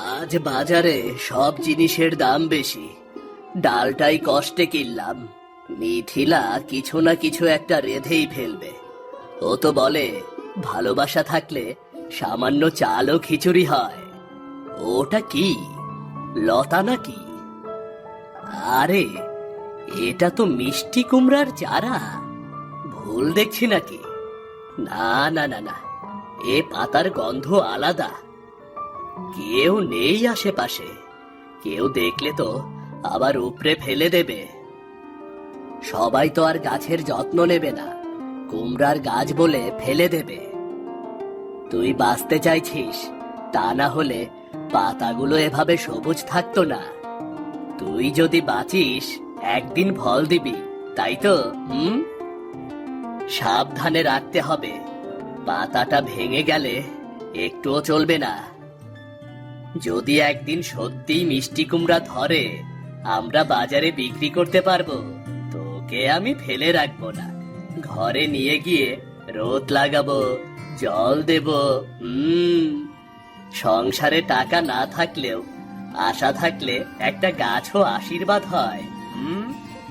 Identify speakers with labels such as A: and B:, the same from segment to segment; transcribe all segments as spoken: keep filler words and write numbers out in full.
A: আজ বাজারে সব জিনিসের দাম বেশি, ডালটাই কষ্টে কিনলাম। মিথিলা কিছু না কিছু একটা রেঁধেই ফেলবে। ও তো বলে ভালোবাসা থাকলে সামান্য চাল ও খিচুড়ি হয়। ওটা কি, লতা নাকি? আরে এটা তো মিষ্টি কুমড়ার চারা। ভুল দেখছি নাকি? না না না না, এ পাতার গন্ধ আলাদা। কেউ নেই আশেপাশে, কেউ দেখলে তো আবার উপড়ে ফেলে দেবে। সবাই তো আর গাছের যত্ন নেবে না, কুমড়ার গাছ বলে ফেলে দেবে। তুই বাঁচতে চাইছিস, তা না হলে পাতাগুলো এভাবে সবুজ থাকতো না। তুই যদি বাঁচিস একদিন ফল দিবি, তাই তো? হুম, সাবধানে রাখতে হবে, পাতাটা ভেঙে গেলে একটুও চলবে না। যদি একদিন সত্যি মিষ্টি কুমড়া ধরে, আমরা বাজারে বিক্রি করতে পারবো। তোকে আমি ফেলে রাখবো না, ঘরে নিয়ে গিয়ে রোদ লাগাবো, জল দেব। হুম, সংসারে টাকা না থাকলেও আশা থাকলে একটা গাছও আশীর্বাদ হয়। হুম।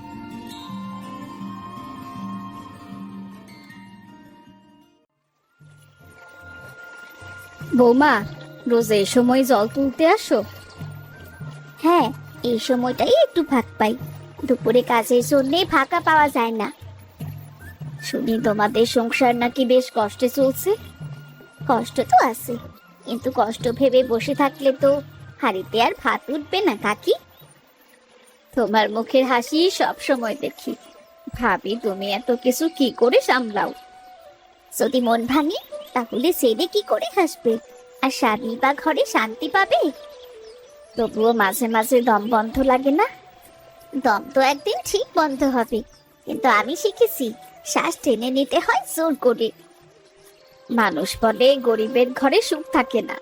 B: বৌমা, রোজ এই সময় জল তুলতে আসো?
C: হ্যাঁ, এই সময়টাই একটু ফাঁক পাই। দুপুরে কাজের জন্যে ফাঁকা পাওয়া যায় না।
B: শুনি তোমাদের সংসার নাকি বেশ কষ্টে চলছে।
C: কষ্ট তো আছে, কিন্তু কষ্ট ভেবে বসে থাকলে তো হাঁড়িতে আর ভাত উঠবে না কাকি।
B: তোমার মুখের হাসি সব সময় দেখি, ভাবি তুমি এত কিছু কি করে সামলাও।
C: যদি মন ভাঙে তাহলে ছেলে কি করে হাসবে, আর স্বামী বা ঘরে শান্তি পাবে?
B: তবুও মাঝে মাঝে দম বন্ধ লাগে না?
C: দম তো একদিন ঠিক বন্ধ হবে, কিন্তু আমি শিখেছি শ্বাস টেনে নিতে হয় জোর করে।
B: মানুষ বলে গরিবের ঘরে সুখ থাকে না।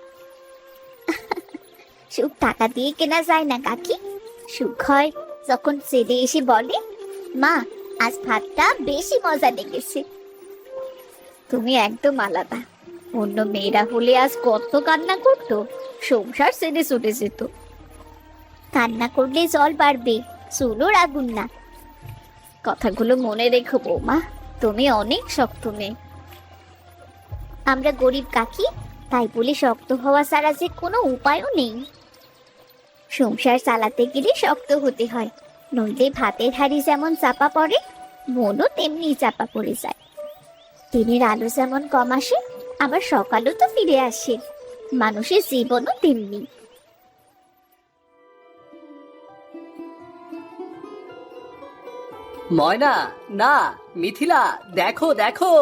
C: সুখ টাকা দিয়ে কেনা যায় না কাকি। সুখ হয় যখন ছেলে এসে বলে, মা আজ ভাতটা বেশি মজা লেগেছে।
B: তুমি একদম আলাদা। অন্য মেয়েরা হলে আজ কত কান্না করতো, সংসার ছেড়ে ছুটে যেত।
C: কান্না করলে জল বাড়বে, চুলোর আগুন না।
B: কথাগুলো মনে রেখো বৌমা, তুমি অনেক শক্ত মেয়ে।
C: আমরা গরিব কাকি, তাই বলে শক্ত হওয়া ছাড়া যে কোনো উপায়ও নেই। সংসার চালাতে গেলে শক্ত হতে হয়, নইলে ভাতের হাঁড়ি যেমন চাপা পড়ে, মনও তেমনি চাপা পড়ে যায়। দিনের আলো যেমন কম আসে, আবার সকালও তো ফিরে আসে। মানুষের জীবনও তেমনি।
A: ময়না, না মিথিলা, দেখো দেখো।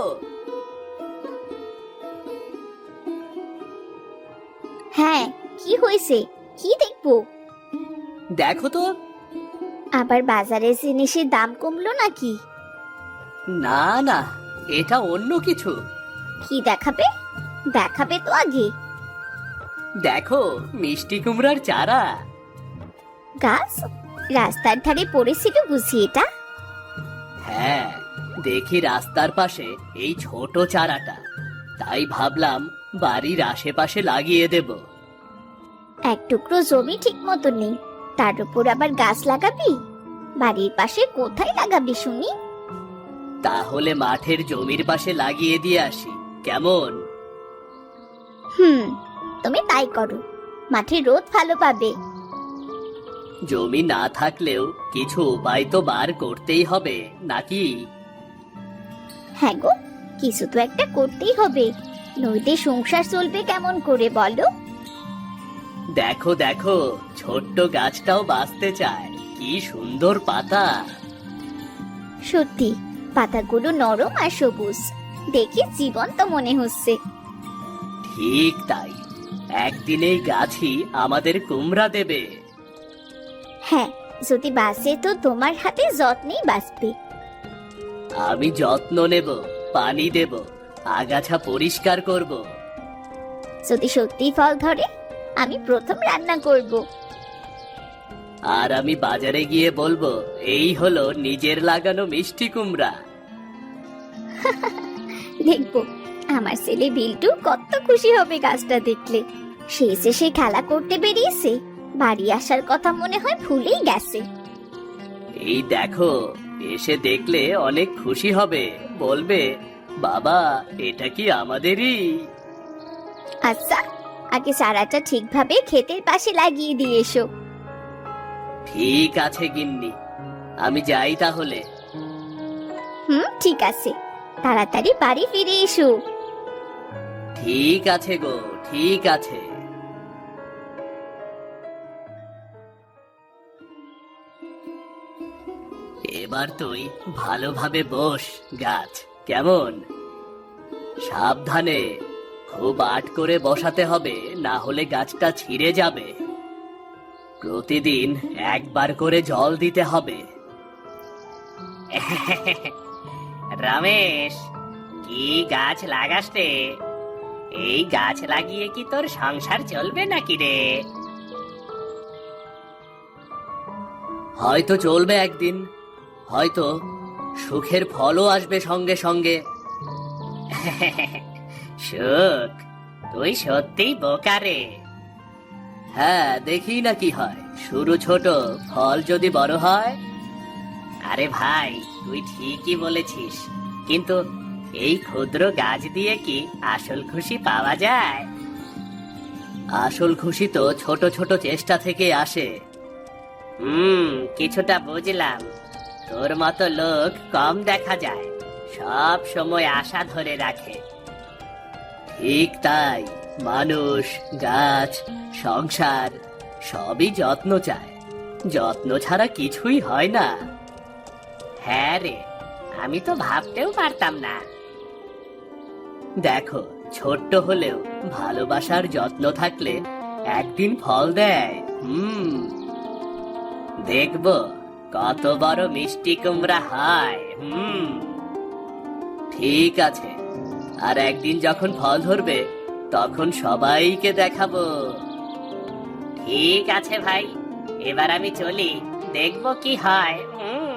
C: হ্যাঁ, কি হয়েছে? কি দেখবো?
A: দেখো তো।
C: আবার বাজারের জিনিসের দাম কমলো নাকি?
A: না না, এটা অন্য কিছু।
C: কি দেখাবে? দেখাবে তো আগে।
A: দেখো, মিষ্টি কুমড়ার চারা।
C: গাছ রাস্তার ধারে পড়েছিল বুঝি এটা?
A: হ্যাঁ, দেখি রাস্তার পাশে এই ছোট চারাটা, তাই ভাবলাম বাড়ির আশেপাশে লাগিয়ে দেব।
C: এক টুকরো জমি ঠিক মতো নেই, তার উপর আবার গাছ লাগাবি? বাড়ির পাশে কোথায় লাগাবি শুনি?
A: তাহলে মাঠের জমির পাশে লাগিয়ে দিয়ে আসি, কেমন?
C: হুম, তুমি তাই করো, মাঠে রোদ ভালো পাবে।
A: জমি না থাকলেও কিছু উপায় তো বার করতেই হবে নাকি?
C: হ্যাঁ গো, কিছু তো একটা করতেই হবে, নইলে সংসার চলবে কেমন করে বলো?
A: দেখো দেখো, ছোট্ট গাছটাও বাঁচতে চায়, কি সুন্দর পাতা।
C: সত্যি, পাতাগুলো নরম আর সবুজ, দেখে জীবন্ত মনে হচ্ছে।
A: ঠিক তাই, একদিন এই গাছই আমাদের কুমড়া দেবে।
C: হ্যাঁ, যদি বাঁচে তো তোমার হাতে যত্নেই বাঁচবে।
A: আমি যত্ন নেব, পানি দেব, আগাছা পরিষ্কার করব।
C: যদি সত্যি ফল ধরে, আমি প্রথম রান্না করব।
A: আর আমি বাজারে গিয়ে বলবো, এই হলো নিজের লাগানো মিষ্টি কুমড়া।
C: দেখবো আমার ছেলে বিল্টু কত খুশি হবে গাছটা দেখলে। সে যে সে খেলা করতে বেরিয়েছে, বাড়ি আসার কথা মনে হয় ভুলেই গেছে।
A: এই দেখো, এসে দেখলে অনেক খুশি হবে, বলবে বাবা এটা কি আমাদেরই।
C: আচ্ছা, আগে চারাটা ঠিকভাবে ক্ষেতের পাশে লাগিয়ে দিয়ে এসো।
A: ঠিক আছে গিন্নি, আমি যাই তাহলে।
C: হুম, ঠিক আছে, তাড়াতাড়ি বাড়ি ফিরে এসো।
A: ঠিক আছে গো, ঠিক আছে। এবার তুই ভালোভাবে বস গাছ, কেমন? সাবধানে, খুব আট করে বসাতে হবে, না হলে গাছটা ছিঁড়ে যাবে। প্রতিদিন একবার করে জল দিতে হবে। রমেশ, কি গাছ লাগাস রে? এই গাছ লাগিয়ে কি তোর সংসার চলবে নাকি রে? হয়তো চলবে একদিন, হয়তো সুখের ফলও আসবে সঙ্গে সঙ্গে। সুখ? তুই সত্যিই বোকা রে। হ্যাঁ, দেখি না কি হয়, শুরু ছোট, ফল যদি বড় হয়। আরে ভাই, তুই ঠিকই বলেছিস, কিন্তু এই ক্ষুদ্র গাছ দিয়ে কি আসল খুশি পাওয়া যায়? আসল খুশি তো ছোট ছোট চেষ্টা থেকে আসে। হুম, কিছুটা বুঝলাম। তোর মতো লোক কম দেখা যায়, সব সময় আশা ধরে রাখে। ঠিক তাই, মানুষ, গাছ, সংসার সবই যত্ন চায়, যত্ন ছাড়া কিছুই হয় না। হ্যাঁ রে, আমি তো ভাবতেও পারতাম না। দেখো, ছোট্ট হলেও ভালোবাসার যত্ন থাকলে একদিন ফল দেয়। হুম, দেখবো কত বড় মিষ্টি কুমড়া হয়। হুম, ঠিক আছে, আর একদিন যখন ফল ধরবে তখন সবাইকে দেখাবো। ঠিক আছে ভাই, এবার আমি চলি, দেখবো কি হয়। হুম।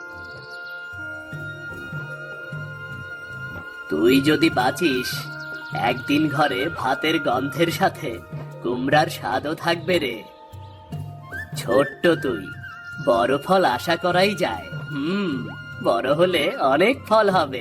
A: তুই যদি বাঁচিস, একদিন ঘরে ভাতের গন্ধের সাথে কুমড়ার স্বাদও থাকবে রে। ছোট্ট তুই, বড় ফল আশা করাই যায়। হুম, বড় হলে অনেক ফল হবে।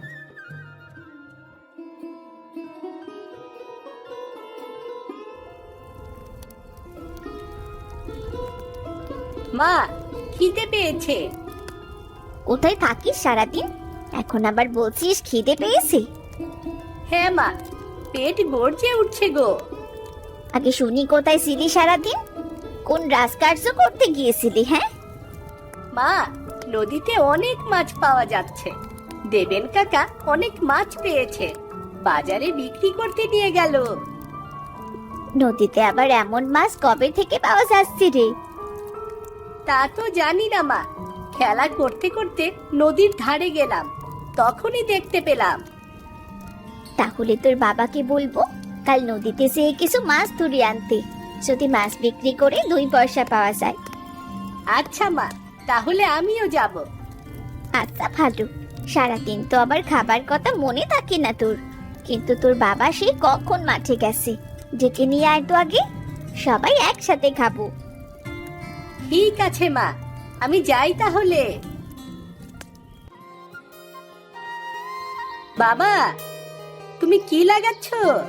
B: মা, খিদে পেয়েছে।
C: কোথায় থাকিস সারাদিন, এখন আবার বলছিস খিদে পেয়েছে?
B: হ্যাঁ মা, পেট গর্জে উঠছে গো।
C: আগে শুনি কোথায় ছিলি সারাদিন, কোন রাজকার্য করতে গিয়েছিলি? হ্যাঁ
B: মা, নদীতে অনেক মাছ পাওয়া যাচ্ছে। দেবেন কাকা অনেক মাছ পেয়েছে, বাজারে বিক্রি করতে নিয়ে গেল।
C: নদীতে আবার এমন মাছ কবে থেকে পাওয়া যাচ্ছে রে?
B: তা তো জানি না মা, খেলা করতে করতে নদীর ধারে গেলাম, তখনই দেখতে পেলাম।
C: তাহলে তোর বাবাকে বলবো কাল নদীতে যেয়ে কিছু মাছ ধরে আনতে, যদি মাছ বিক্রি করে দুই পয়সা পাওয়া যায়।
B: আচ্ছা মা, তাহলে আমিও যাব।
C: আচ্ছা ভালো, সারাদিন তো আবার খাবার কথা মনে থাকে না তোর, কিন্তু তোর বাবা সেই কখন মাঠে গেছে, ডেকে নিয়ে আয় তো আগে, সবাই একসাথে খাবো।
B: ঠিক আছে মা, আমি যাই তাহলে। বাবা, তুমি কি লাগাচ্ছ?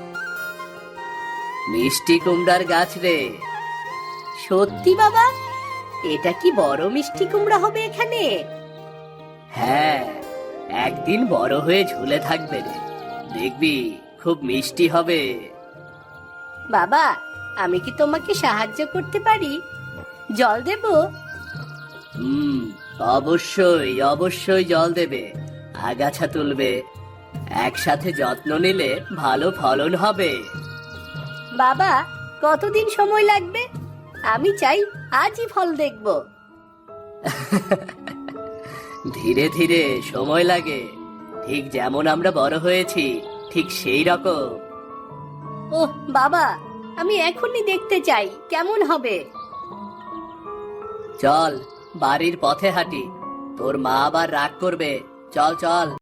A: মিষ্টি কুমড়ার গাছ রে।
B: সত্যি বাবা? এটা কি বড় মিষ্টি কুমড়া হবে এখানে?
A: হ্যাঁ, একদিন বড় হয়ে ঝুলে থাকবে রে, দেখবি খুব মিষ্টি হবে।
B: বাবা, আমি কি তোমাকে সাহায্য করতে পারি? জল দেব?
A: হুম, অবশ্যই অবশ্যই জল দেবে, আগাছা তুলবে, একসাথে যত্ন নিলে ভালো ফলন হবে।
B: বাবা, কতদিন সময় লাগবে? আমি চাই আজই ফল দেখব।
A: ধীরে ধীরে সময় লাগে, ঠিক যেমন আমরা বড় হয়েছি ঠিক সেই রকম।
B: ওহ বাবা, আমি এখনই দেখতে চাই কেমন হবে।
A: চল, বাড়ির পথে হাঁটি, তোর মা আবার রাগ করবে। চল চল।